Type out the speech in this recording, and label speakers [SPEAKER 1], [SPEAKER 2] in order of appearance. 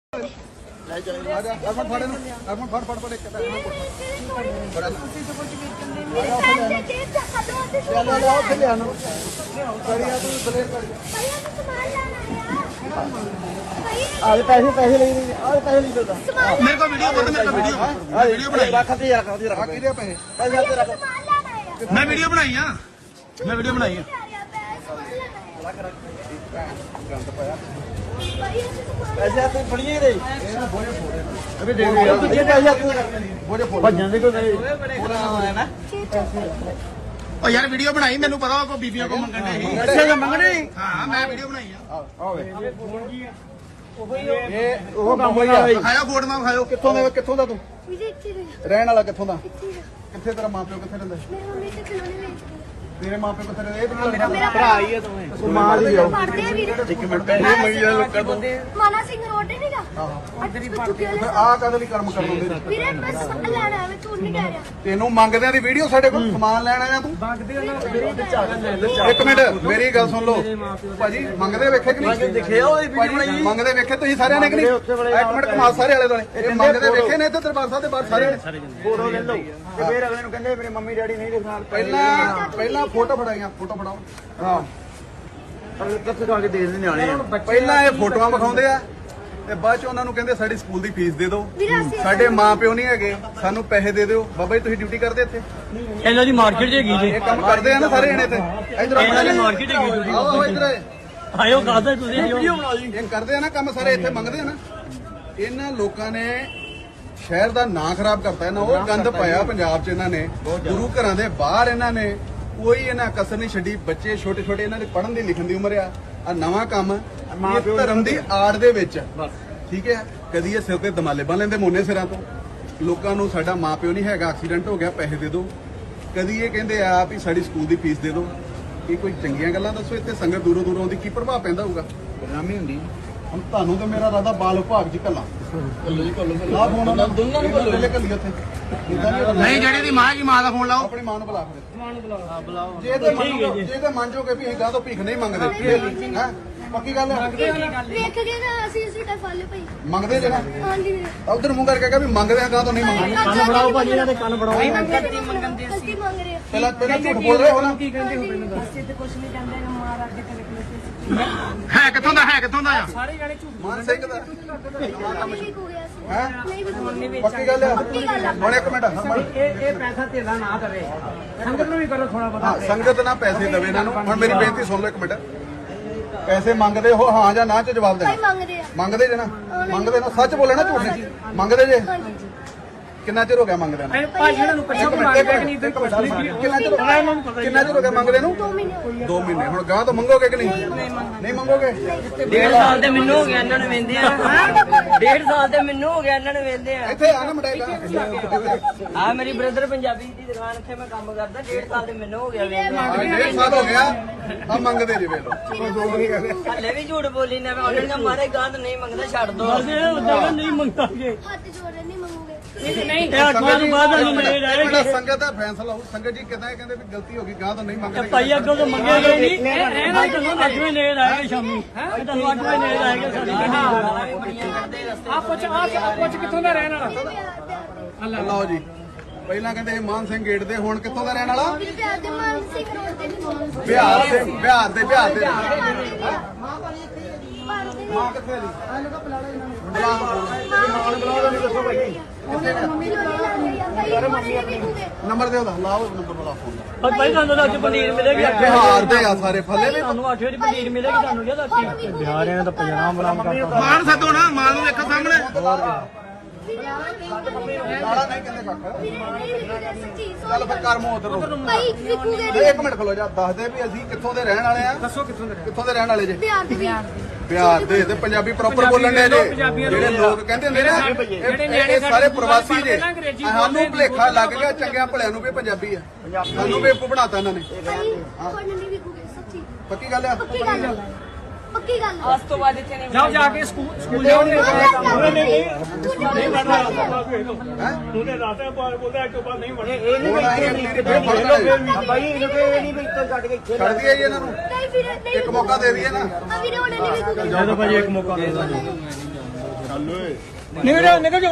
[SPEAKER 1] पैसे पैसे ले पैसे नहीं देता
[SPEAKER 2] मेरे को वीडियो बोल मेरे को वीडियो मैं वीडियो बनाई है मैं वीडियो बनाई है
[SPEAKER 1] पैसे आप फड़िए दे अभी दे तुझे पैसे आप भजन दे को है ना
[SPEAKER 2] और यार वीडियो बनाई मैंने पता को बीबियों को मंगने
[SPEAKER 1] अच्छा मंगने
[SPEAKER 2] हां मैं वीडियो बनाई है
[SPEAKER 1] ये ਉਹ ਕੰਮ ਹੋਇਆ
[SPEAKER 2] ਖਾਇਆ ਫੋੜ ਨਾ ਖਾਇਓ
[SPEAKER 1] ਕਿੱਥੋਂ ਦਾ ਤੂੰ ਰਹਿਣ ਵਾਲਾ ਕਿੱਥੋਂ ਦਾ ਕਿੱਥੇ ਤੇਰਾ ਮਾਪਿਓ ਕਿੱਥੇ ਰਹਿੰਦਾ ਤੇਰੇ ਮਾਪੇ ਕਿੱਥੇ ਰਹਿੰਦੇ ਇਹ ਮੇਰਾ ਭਰਾ ਹੀ ਹੈ ਤੂੰ ਮਾਂ ਦੀ ਜਾਓ ਇੱਕ ਮਿੰਟ ਇਹ ਮਈਆ ਲੋਕਾਂ ਤੋਂ
[SPEAKER 3] ਮਾਨਾ ਸਿੰਘ ਰੋਡ ਨਹੀਂਗਾ
[SPEAKER 1] ਆ ਕਦੇ ਵੀ ਕਰਮ ਕਰਨ ਹੁੰਦੇ
[SPEAKER 3] ਵੀਰੇ ਬਸ ਲੈਣਾ ਹੈ ਮੈਂ ਝੂਠ ਨਹੀਂ ਕਹਿ ਰਿਹਾ
[SPEAKER 1] ਤੈਨੂੰ ਮੰਗਦਿਆਂ ਦੀ ਵੀਡੀਓ ਸਾਡੇ ਕੋਲ ਸਮਾਨ ਲੈਣ ਆਇਆ ਤੂੰ ਇੱਕ ਮਿੰਟ ਮੇਰੀ ਗੱਲ ਸੁਣ ਲਓ ਭਾਜੀ ਮੰਗਦੇ ਵੇਖੇ ਕਿ ਨਹੀਂ
[SPEAKER 4] ਦੇਖਿਆ ਉਹ ਵੀਡੀਓ ਬਣਾਈ
[SPEAKER 1] ਮੰਗਦੇ ਵੇਖੇ ਤੁਸੀਂ ਸਾਰਿਆਂ ਨੇ ਕਿ ਨਹੀਂ ਇੱਕ ਮਿੰਟ ਕਮਾਲ ਸਾਰੇ ਵਾਲੇ ਦੋਲੇ ਇਹ ਮੰਗਦੇ ਵੇਖੇ ਨੇ ਇੱਥੇ ਦਰਬਾਰ ਸਾਹਿਬ ਦੇ ਬਾਹਰ ਸਾਰੇ ਨੇ
[SPEAKER 4] ਫੋਟੋ ਲੈ ਲਓ ਤੇ ਫੇਰ ਅਗਲੇ ਨੂੰ ਕਹਿੰਦੇ ਮੇਰੇ ਮੰਮੀ ਡੈਡੀ ਨਹੀਂ ਦੇਖਣਾ
[SPEAKER 1] ਪਹਿਲਾਂ ਫੋਟੋ ਫੜਾਈਆਂ ਫੋਟੋ ਫੜਾਓ ਹਾਂ
[SPEAKER 4] ਅਗਲੇ ਕਿੱਥੇ ਜਾ ਕੇ ਦੇਖਦੇ ਨਿਆਣੇ ਆ
[SPEAKER 1] ਪਹਿਲਾਂ ਇਹ ਫੋਟੋਆਂ ਵਿਖਾਉਂਦੇ ਆ ਤੇ ਬਾਅਦ ਚ ਉਹਨਾਂ ਨੂੰ ਕਹਿੰਦੇ ਸਾਡੀ ਸਕੂਲ ਦੀ ਫੀਸ ਦੇ ਦਿਓ ਸਾਡੇ ਮਾਪਿਓ ਨਹੀਂ ਹੈਗੇ ਸਾਨੂੰ ਪੈਸੇ ਦੇ ਦਿਓ ਬਾਬਾ ਜੀ ਤੁਸੀਂ ਡਿਊਟੀ ਕਰਦੇ ਇੱਥੇ
[SPEAKER 4] ਇਹਨਾਂ ਦੀ ਮਾਰਕੀਟ ਹੈਗੀ ਜੀ
[SPEAKER 1] ਇਹ ਕੰਮ ਕਰਦੇ ਆ ਨਾ ਸਾਰੇ ਜਣੇ ਇੱਥੇ ਇਧਰ
[SPEAKER 4] ਇਹਨਾਂ ਦੀ ਮਾਰਕੀਟ ਹੈਗੀ ਜੀ
[SPEAKER 1] ਆਓ ਇਧਰ
[SPEAKER 4] ਆਇਓ ਕਾਹਦਾ ਤੁਸੀਂ ਵੀਡੀਓ ਬਣਾ ਜੀ
[SPEAKER 1] ਇਹ ਕਰਦੇ ਆ ਨਾ ਕੰਮ ਸਾਰੇ ਇੱਥੇ ਮੰਗਦੇ ਆ ਨਾ ਇਹਨਾਂ ਲੋਕਾਂ ਨੇ ਸ਼ਹਿਰ ਦਾ ਨਾਂ ਖਰਾਬ ਕਰਤਾ ਇਹਨਾਂ ਉਹ ਗੰਦ ਪਾਇਆ ਪੰਜਾਬ 'ਚ ਇਹਨਾਂ ਨੇ ਗੁਰੂ ਘਰਾਂ ਦੇ ਬਾਹਰ ਇਹਨਾਂ ਨੇ ਕੋਈ ਇਹਨਾਂ ਕਸਰ ਨਹੀਂ ਛੱਡੀ ਬੱਚੇ ਛੋਟੇ ਛੋਟੇ ਇਹਨਾਂ ਦੇ ਪੜ੍ਹਨ ਦੀ ਲਿਖਣ ਦੀ ਉਮਰ ਆ ਨਵਾਂ ਕੰਮ ਇਹ ਧਰਮ ਦੀ ਆੜ ਦੇ ਵਿੱਚ ਠੀਕ ਹੈ ਕਦੀ ਇਹ ਸਿਰ ਤੇ ਦਮਾਲੇ ਬੰਨ ਲੈਂਦੇ ਮੋਨੇ ਸਿਰਾਂ ਤੋਂ ਲੋਕਾਂ ਨੂੰ ਸਾਡਾ ਮਾਪਿਓ ਨਹੀਂ ਹੈਗਾ ਐਕਸੀਡੈਂਟ ਹੋ ਗਿਆ ਪੈਸੇ ਦੇ ਦਿਓ ਕਦੀ ਇਹ ਕਹਿੰਦੇ ਆ ਵੀ ਸਾਡੀ ਸਕੂਲ ਦੀ ਫੀਸ ਦੇ ਦਿਓ ਇਹ ਕੋਈ ਚੰਗੀਆਂ ਗੱਲਾਂ ਦੱਸੋ ਇੱਥੇ ਸੰਗਤ ਦੂਰੋਂ ਦੂਰੋਂ ਆਉਂਦੀ ਕੀ ਪ੍ਰਭਾਵ ਪੈਂਦਾ ਹੋਊਗਾ
[SPEAKER 4] ਬਦਨਾਮੀ ਹੁੰਦੀ
[SPEAKER 1] ਹੁਣ ਤੁਹਾਨੂੰ ਤੇ ਮੇਰਾ ਰਾਦਾ ਬਾਲ ਵਿਭਾਗ ਚ ਕੱਲਾ ਆ ਫੋਨ ਉਹਨਾਂ ਦੋਨਾਂ ਨੂੰ ਕੱਲੋ ਕੱਲੀ ਉੱਥੇ
[SPEAKER 2] ਨਹੀਂ ਜਿਹੜੀ ਦੀ ਮਾਂ ਦਾ ਫੋਨ ਲਾਓ
[SPEAKER 1] ਆਪਣੀ ਮਾਂ ਨੂੰ ਬੁਲਾ ਫਿਰ ਮਾਂ ਨੂੰ ਬੁਲਾਓ ਜੇ ਤੇ ਮੰਨੋਗੇ ਵੀ ਅਸੀਂ ਗਾਂ ਤੋਂ ਭੀਖ ਨਹੀਂ ਮੰਗਦੇ ਹੈ ਪੱਕੀ ਗੱਲ ਹੈ
[SPEAKER 3] ਵੇਖ ਕੇ ਨਾ ਅਸੀਂ ਟਾ ਫਾਲੇ ਪਈ
[SPEAKER 1] ਮੰਗਦੇ ਜੇ ਨਾ
[SPEAKER 3] ਹਾਂਜੀ ਵੀਰੇ
[SPEAKER 1] ਉਧਰ ਮੂੰਹ ਕਰਕੇ ਕਹਾਂ ਵੀ ਮੰਗਦੇ ਆ ਗਾਂ ਤੋਂ ਨਹੀਂ ਮੰਗਦੇ
[SPEAKER 4] ਕੰਨ ਫੜਾਓ ਭਾਜੀ ਇਹਨਾਂ ਦੇ ਕੰਨ ਫੜਾਓ
[SPEAKER 3] ਗਲਤੀ ਮੰਗਦੇ ਸੀ ਮੰਗ ਰਹੇ
[SPEAKER 1] ਪਹਿਲਾਂ ਝੂਠ ਬੋਲ ਰਹੇ ਹੋ ਨਾ
[SPEAKER 3] ਕੀ ਕਹਿੰਦੇ ਹੋ ਮੈਨੂੰ ਅਸੀਂ ਤੇ ਕੁਝ ਨਹੀਂ ਕਹਿੰਦੇ ਨਾ ਮਾਰ ਅੱਗੇ ਤੇ
[SPEAKER 2] ਹੈ ਕਿੱਥੋਂ ਦਾ ਆ
[SPEAKER 3] ਸਾਰੇ ਜਾਣੇ ਝੂਠ
[SPEAKER 1] ਮਾਨ ਸਿੰਘ ਦਾ
[SPEAKER 3] ਨਹੀਂ ਹੋ ਗਿਆ ਸੀ
[SPEAKER 1] ਹੈ
[SPEAKER 3] ਨਹੀਂ ਵੀ
[SPEAKER 1] ਪੱਕੀ ਗੱਲ ਹੈ ਹੁਣ ਇੱਕ ਮਿੰਟ
[SPEAKER 4] ਇਹ ਪੈਸਾ ਢੇਲਾ ਨਾ ਕਰੇ ਸੰਗਤ ਨੂੰ ਵੀ ਕਰੋ ਥੋੜਾ ਬਹੁਤਾ
[SPEAKER 1] ਹਾਂ ਸੰਗਤ ਨਾ ਪੈਸੇ ਦੇਵੇ ਇਹਨਾਂ ਨੂੰ ਹੁਣ ਮੇਰੀ ਬੇਨਤੀ ਸੁਣ ਲਓ ਇੱਕ ਮਿੰਟ ਪੈਸੇ ਮੰਗਦੇ ਹੋ ਹਾਂ ਜਾਂ ਨਾ ਚ ਜਵਾਬ
[SPEAKER 3] ਭਾਈ
[SPEAKER 1] ਦੇਣਾ
[SPEAKER 3] ਮੰਗਦੇ ਆ
[SPEAKER 1] ਮੰਗਦੇ ਜੇ ਨਾ ਮੰਗਦੇ ਨਾ ਸੱਚ ਬੋਲੇ ਨਾ ਝੂਠ ਨਹੀਂ ਮੰਗਦੇ ਜੇ ਕਿੰਨਾ ਚਿਰ ਹੋ ਗਿਆ ਮੰਗਦੇ ਨੂੰ
[SPEAKER 4] ਭਾਜੀ ਇਹਨਾਂ ਨੂੰ ਪੁੱਛੋ ਕਿ ਮੰਗਦੇ ਕਿ ਨਹੀਂ
[SPEAKER 1] ਕਿੰਨਾ ਚਿਰ ਹੋ ਗਿਆ ਮੰਗਦੇ ਨੂੰ
[SPEAKER 3] 2 ਮਹੀਨੇ
[SPEAKER 1] 2 ਮਹੀਨੇ ਹੁਣ ਗਾਂ ਤੋਂ ਮੰਗੋਗੇ ਕਿ ਨਹੀਂ ਨਹੀਂ ਮੰਗੋਗੇ
[SPEAKER 5] 1.5 ਸਾਲ ਤੇ ਮੈਨੂੰ ਹੋ ਗਿਆ ਇਹਨਾਂ ਨੂੰ ਵੇਂਦੇ ਆ 1.5 ਸਾਲ ਤੇ ਮੈਨੂੰ ਹੋ ਗਿਆ ਇਹਨਾਂ ਨੂੰ ਵੇਂਦੇ ਆ
[SPEAKER 1] ਇੱਥੇ ਆ ਨਾ ਮਟਾਈ
[SPEAKER 5] ਆ ਮੇਰੀ ਬ੍ਰਦਰ ਪੰਜਾਬੀ ਦੀ ਦੁਕਾਨ ਇੱਥੇ ਮੈਂ ਕੰਮ ਕਰਦਾ 1.5 ਸਾਲ ਤੇ ਮੈਨੂੰ ਹੋ ਗਿਆ ਵੇਂਦੇ
[SPEAKER 1] 1.5 ਸਾਲ ਹੋ ਗਿਆ ਆ ਮੰਗਦੇ ਜੇ ਵੇਲੋ
[SPEAKER 5] ਹਲੇ ਵੀ ਝੂਠ ਬੋਲੀ ਨਾ ਉਹਨਾਂ ਨੇ ਮਾਰੇ ਗਾਂ ਤਾਂ ਨਹੀਂ ਮੰਗਦਾ ਛੱਡ ਦੋ
[SPEAKER 4] ਨਹੀਂ ਮੰਗਾਂਗੇ
[SPEAKER 3] ਹੱਥ ਜੋੜੇ ਨਹੀਂ ਮੰਗੂਗੇ
[SPEAKER 4] ਨਹੀਂ ਇਹ ਅੱਠਵਾਂ ਤੋਂ ਬਾਅਦ ਨਹੀਂ ਮਿਲੇ
[SPEAKER 1] ਜਿਹੜਾ ਸੰਗਤ ਦਾ ਫੈਸਲਾ ਹੋਊ ਸੰਗਤ ਜੀ ਕਿਦਾਂ ਕਹਿੰਦੇ ਵੀ ਗਲਤੀ ਹੋ ਗਈ ਗਾਂ ਤੋਂ ਨਹੀਂ ਮੰਗਦੇ
[SPEAKER 4] ਭਾਈ ਅੱਗੋਂ ਤਾਂ ਮੰਗਿਆ ਗਏ ਨਹੀਂ ਇਹ ਨਾ ਤੁਹਾਨੂੰ 8 ਵਜੇ ਨੇੜ ਆਏਗਾ ਸ਼ਾਮੀ ਤੁਹਾਨੂੰ 8 ਵਜੇ ਨੇੜ ਆਏਗਾ ਸਾਡੀ ਗੱਡੀ ਕਿੱਥੋਂ ਦਾ ਰਹਿਣ ਵਾਲਾ
[SPEAKER 1] ਲਓ ਜੀ ਪਹਿਲਾਂ ਕਹਿੰਦੇ ਇਹ ਮਾਨ ਸਿੰਘ ਗੇਟ ਦੇ ਹੁਣ ਕਿੱਥੋਂ ਦਾ ਰਹਿਣ ਵਾਲਾ
[SPEAKER 3] ਬਿਹਾਰ ਦੇ ਮਾਨ ਸਿੰਘ ਰੋਡ ਤੇ ਨਹੀਂ ਮੰਗਦੇ
[SPEAKER 1] ਬਿਹਾਰ ਦੇ
[SPEAKER 3] ਮਾਂ
[SPEAKER 1] ਕਿੱਥੇ ਦੀ ਨੰਬਰ ਦਿਓ ਲਾਓ ਨੰਬਰ ਬੁਲਾ ਫੋਨ
[SPEAKER 4] ਭਾਈ ਤੁਹਾਨੂੰ ਅੱਜ ਪਨੀਰ ਮਿਲੇਗੀ
[SPEAKER 1] ਬਿਹਾਰ ਦੇ ਆ ਸਾਰੇ ਫੱਲੇ ਵੀ
[SPEAKER 4] ਤੁਹਾਨੂੰ 8 ਵਜੇ ਪਨੀਰ ਮਿਲੇਗੀ ਤੁਹਾਨੂੰ ਯਾਦ ਆਤੀ ਬਿਹਾਰਿਆਂ ਦਾ ਪੰਜਾਬ ਬਰਾਮ ਕਰਤਾ
[SPEAKER 2] ਮਾਨ ਸੱਦੋ ਨਾ ਮਾਂ ਨੂੰ ਵੇਖੋ ਸਾਹਮਣੇ
[SPEAKER 1] ਨਾਲਾ ਨਹੀਂ ਕਹਿੰਦੇ ਕੱਖ ਚੱਲ ਫਿਰ ਕਰ ਮੂੰਹ ਉਧਰ
[SPEAKER 3] ਭਾਈ ਵਿਕੂਗੇ
[SPEAKER 1] ਇੱਕ ਮਿੰਟ ਖਲੋ ਜਾ ਦੱਸ ਦੇ ਵੀ ਅਸੀਂ ਕਿੱਥੋਂ ਦੇ ਰਹਿਣ ਵਾਲੇ ਆ ਦੱਸੋ ਕਿੱਥੋਂ ਦੇ ਰਹਿਣ ਵਾਲੇ ਜੇ
[SPEAKER 3] ਬਿਹਾਰ ਦੇ
[SPEAKER 1] ਬਿਹਾਰ ਦੇ ਤੇ ਪੰਜਾਬੀ ਪ੍ਰੋਪਰ ਬੋਲਣ ਦੇ ਜੇ ਜਿਹੜੇ ਲੋਕ ਕਹਿੰਦੇ ਹੁੰਦੇ ਨਾ ਇਹ ਸਾਰੇ ਪ੍ਰਵਾਸੀ ਜੇ ਸਾਨੂੰ ਭੁਲੇਖਾ ਲੱਗ ਗਿਆ ਚੰਗਿਆਂ ਭਲਿਆਂ ਨੂੰ ਵੀ ਪੰਜਾਬੀ ਆ ਸਾਨੂੰ ਬੇਵਕੂਫ ਬਣਾਤਾ ਇਹਨਾਂ ਨੇ
[SPEAKER 3] ਭਾਈ ਕੋਈ ਨਹੀਂ ਵਿਕੂਗੇ ਸੱਚੀ
[SPEAKER 1] ਪੱਕੀ ਗੱਲ ਆ
[SPEAKER 3] ਪੱਕੀ ਗੱਲ ਪੱਕੀ ਗੱਲ
[SPEAKER 5] ਅੱਜ ਤੋਂ ਬਾਅਦ ਇੱਥੇ ਨਹੀਂ
[SPEAKER 4] ਜਾਓ ਜਾ ਕੇ ਸਕੂਲ ਜਾਓਗੇ
[SPEAKER 3] ਨਹੀਂ
[SPEAKER 4] ਉਹਨੇ ਰਾਤਾਂ ਬੋਲਦਾ ਇੱਕ ਬਾਅਦ ਨਹੀਂ ਵੜਨਾ
[SPEAKER 1] ਭਾਈ
[SPEAKER 4] ਇਹਨੂੰ ਇਹ ਨਹੀਂ ਵੀ ਇੱਥੇ ਛੱਡ ਕੇ ਇੱਥੇ
[SPEAKER 1] ਛੱਡ ਦਈਏ ਇਹਨਾਂ ਨੂੰ
[SPEAKER 3] ਨਹੀਂ ਵੀਰੇ ਨਹੀਂ
[SPEAKER 1] ਇੱਕ ਮੌਕਾ ਦੇ ਦਈਏ ਨਾ
[SPEAKER 3] ਵੀਰੇ ਉਹਨੇ ਨਹੀਂ ਵਿਕੂਗੇ
[SPEAKER 4] ਜਦੋਂ ਭਾਜੀ ਇੱਕ ਮੌਕਾ ਦੇ ਨਿਕਲ ਨਿਕਲ